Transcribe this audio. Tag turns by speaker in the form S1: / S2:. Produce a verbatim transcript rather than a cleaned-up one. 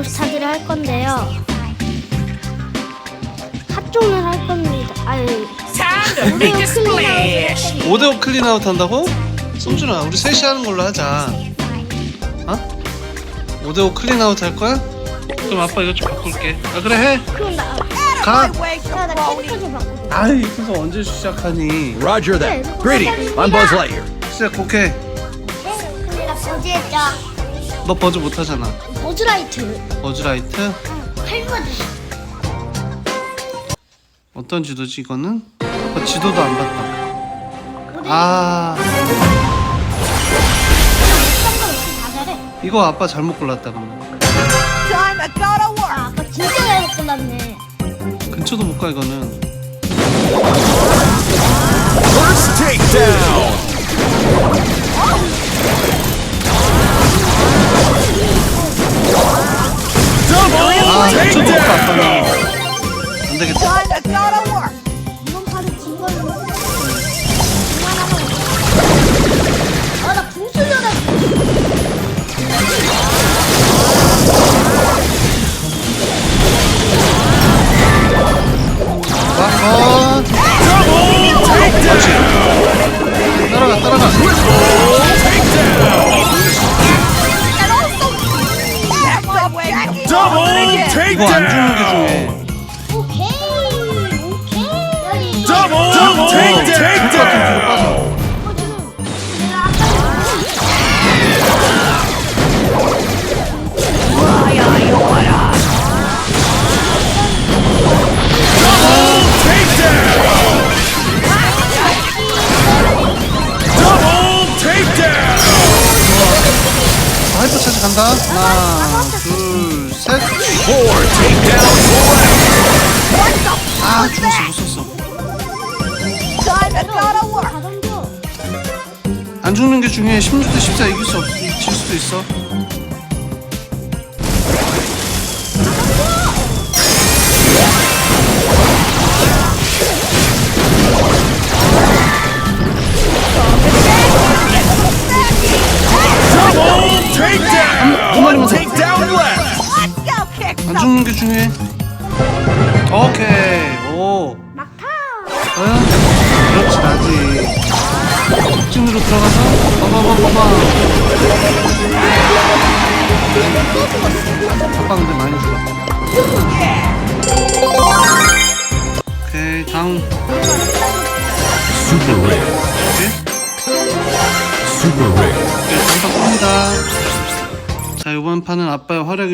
S1: 브롤스타즈를 할 건데요. 핫존을 할 겁니다. 아유,
S2: 오 대 오 클린아웃 한다고? 성준아, 우리 셋이 하는 걸로 하자. 어? 오 대 오 클린아웃 할 거야? 그럼 아빠 이거 좀 바꿀게. 아, 그래, 해.
S1: 그럼 나,
S2: 가.
S1: 야, 나 캐릭터 좀 바꾸자.
S2: 아이, 그래서 언제 시작하니?
S3: Roger that. Greetings, I'm Buzz Lightyear.
S2: 시작, 오케이.
S1: 내가 버즈했죠.
S2: 너 버즈 못하잖아.
S1: 버즈라이트.
S2: 버즈라이트?
S1: 할버즈.
S2: 어떤 지도지, 이거는? 아빠 지도도 안 봤다. 아,
S1: 다 잘해.
S2: 이거 아빠 잘못 골랐다, 그러면.
S1: 아, 아빠 진짜 잘못 골랐네.
S2: 근처도 못 가, 이거는.
S3: First takedown. Double
S2: 아, 근처도 못 가,
S3: takedown.
S2: 아빠는. 안 되겠다.
S1: 이번 판은 진 걸로. 아, 나 궁수려다.
S2: 아,
S3: Double takedown.
S2: 따라가, 따라가.
S3: Double
S2: 이거 안 죽는 게
S3: takedown.
S2: 중요해.
S1: 오케이, 오케이.
S3: Double takedown.
S1: 어, 지금 내가 아까
S3: Double takedown.
S2: 하이퍼 차지 간다. 하나, 둘, 셋.
S3: Four takedowns left.
S2: 아, 죽었어, 못 썼어.
S1: 다 던져.
S2: 안 죽는 게 중요해. 십육 대 십사 이길 수 없, 질 수도 있어.
S3: Double takedown.
S2: 두 마리만 더.
S3: Takedown left.
S2: 안 죽는 게 중요해. 오케이. 오.
S1: 막타.
S2: 응? 그렇지, 나지. 직진으로 들어가서 봐봐봐봐봐. 아빠 근데 많이 죽었다. 오케이, 다음.
S3: Super rare.
S2: 오케이.
S3: Super rare.
S2: 오케이, 다음 판 봅니다. 자, 이번 판은 아빠의 활약이